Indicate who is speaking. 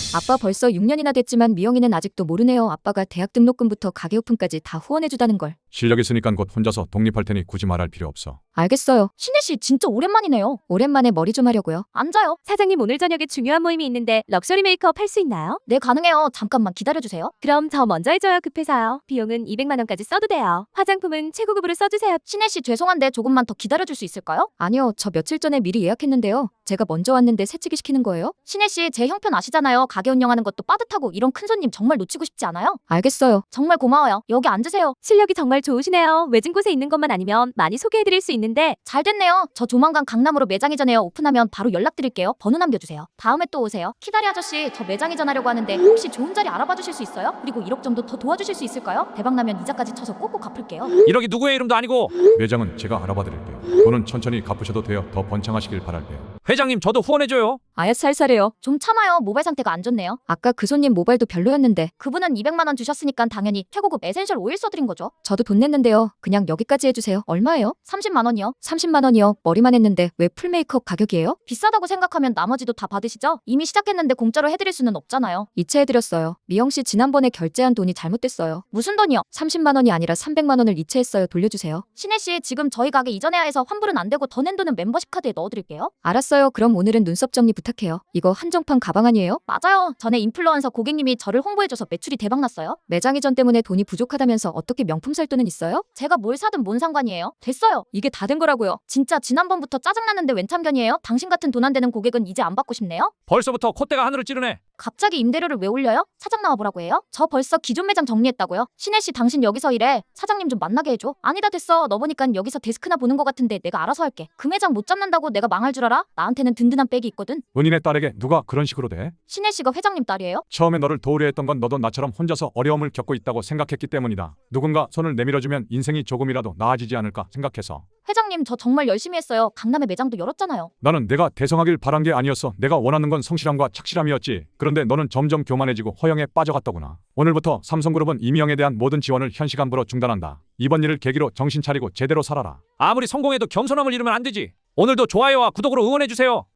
Speaker 1: 아빠 벌써 6년이나 됐지만 미영이는 아직도 모르네요. 아빠가 대학 등록금부터 가게 오픈까지 다 후원해주다는 걸.
Speaker 2: 실력 있으니까 곧 혼자서 독립할 테니 굳이 말할 필요 없어.
Speaker 1: 알겠어요. 신혜씨 진짜 오랜만이네요. 오랜만에 머리 좀 하려고요. 앉아요.
Speaker 3: 사장님 오늘 저녁에 중요한 모임이 있는데 럭셔리 메이크업 할 수 있나요?
Speaker 1: 네, 가능해요. 잠깐만 기다려주세요.
Speaker 3: 그럼 저 먼저 해줘요. 급해서요. 비용은 200만 원까지 써도 돼요. 화장품은 최고급으로 써주세요.
Speaker 1: 신혜씨 죄송한데 조금만 더 기다려줄 수 있을까요? 아니요. 저 며칠 전에 미리 예약했는데요. 제가 먼저 왔는데 새치기 시키는 거예요? 신혜씨 제 형편 아시잖아요. 가게 운영하는 것도 빠듯하고 이런 큰 손님 정말 놓치고 싶지 않아요? 알겠어요. 정말 고마워요. 여기 앉으세요.
Speaker 3: 실력이 정말 좋으시네요. 외진 곳에 있는 것만 아니면 많이 소개해드릴 수 있는데
Speaker 1: 잘 됐네요. 저 조만간 강남으로 매장 이전해요. 오픈하면 바로 연락드릴게요. 번호 남겨주세요. 다음에 또 오세요. 키다리 아저씨, 저 매장 이전하려고 하는데 혹시 좋은 자리 알아봐 주실 수 있어요? 그리고 1억 정도 더 도와주실 수 있을까요? 대박나면 이자까지 쳐서 꼭꼭 갚을게요.
Speaker 4: 1억이 누구의 이름도 아니고.
Speaker 2: 매장은 제가 알아봐 드릴게요. 돈은 천천히 갚으셔도 돼요. 더 번창하시길 바랄게요.
Speaker 4: 회장님 저도 후원해줘요.
Speaker 1: 아야 살살해요. 좀 참아요. 모발 상태가 안 좋네요. 아까 그 손님 모발도 별로였는데 그분은 200만 원 주셨으니까 당연히 최고급 에센셜 오일 써드린 거죠. 저도 돈 냈는데요. 그냥 여기까지 해주세요. 얼마예요? 30만 원이요. 30만 원이요. 머리만 했는데 왜 풀 메이크업 가격이에요? 비싸다고 생각하면 나머지도 다 받으시죠? 이미 시작했는데 공짜로 해드릴 수는 없잖아요. 이체해드렸어요. 미영씨 지난번에 결제한 돈이 잘못됐어요. 무슨 돈이요? 30만 원이 아니라 300만 원을 이체했어요. 돌려주세요. 신혜씨 지금 저희 가게 이전해야 해서 환불은 안 되고 더 낸 돈은 멤버십 카드에 넣어드릴게요. 알았어요. 그럼 오늘은 눈썹 정리 부탁해요. 이거 한정판 가방 아니에요? 맞아요. 전에 인플루언서 고객님이 저를 홍보해줘서 매출이 대박났어요. 매장 이전 때문에 돈이 부족하다면서 어떻게 명품 살 돈은 있어요? 제가 뭘 사든 뭔 상관이에요? 됐어요. 이게 다 된 거라고요. 진짜 지난번부터 짜증났는데 웬 참견이에요? 당신 같은 돈 안 되는 고객은 이제 안 받고 싶네요?
Speaker 4: 벌써부터 콧대가 하늘을 찌르네.
Speaker 1: 갑자기 임대료를 왜 올려요? 사장 나와보라고 해요? 저 벌써 기존 매장 정리했다고요? 신혜씨 당신 여기서 일해. 사장님 좀 만나게 해줘. 아니다 됐어. 너 보니깐 여기서 데스크나 보는 거 같은데 내가 알아서 할게. 그 매장 못 잡는다고 내가 망할 줄 알아? 나한테는 든든한 백이 있거든.
Speaker 2: 은인의 딸에게 누가 그런 식으로 대?
Speaker 1: 신혜씨가 회장님 딸이에요?
Speaker 2: 처음에 너를 도우려 했던 건 너도 나처럼 혼자서 어려움을 겪고 있다고 생각했기 때문이다. 누군가 손을 내밀어주면 인생이 조금이라도 나아지지 않을까 생각해서.
Speaker 1: 회장님 저 정말 열심히 했어요. 강남에 매장도 열었잖아요.
Speaker 2: 나는 내가 대성하길 바란 게 아니었어. 내가 원하는 건 성실함과 착실함이었지. 그런데 너는 점점 교만해지고 허영에 빠져갔더구나. 오늘부터 삼성그룹은 이미영에 대한 모든 지원을 현시간부로 중단한다. 이번 일을 계기로 정신 차리고 제대로 살아라.
Speaker 4: 아무리 성공해도 겸손함을 잃으면 안 되지. 오늘도 좋아요와 구독으로 응원해주세요.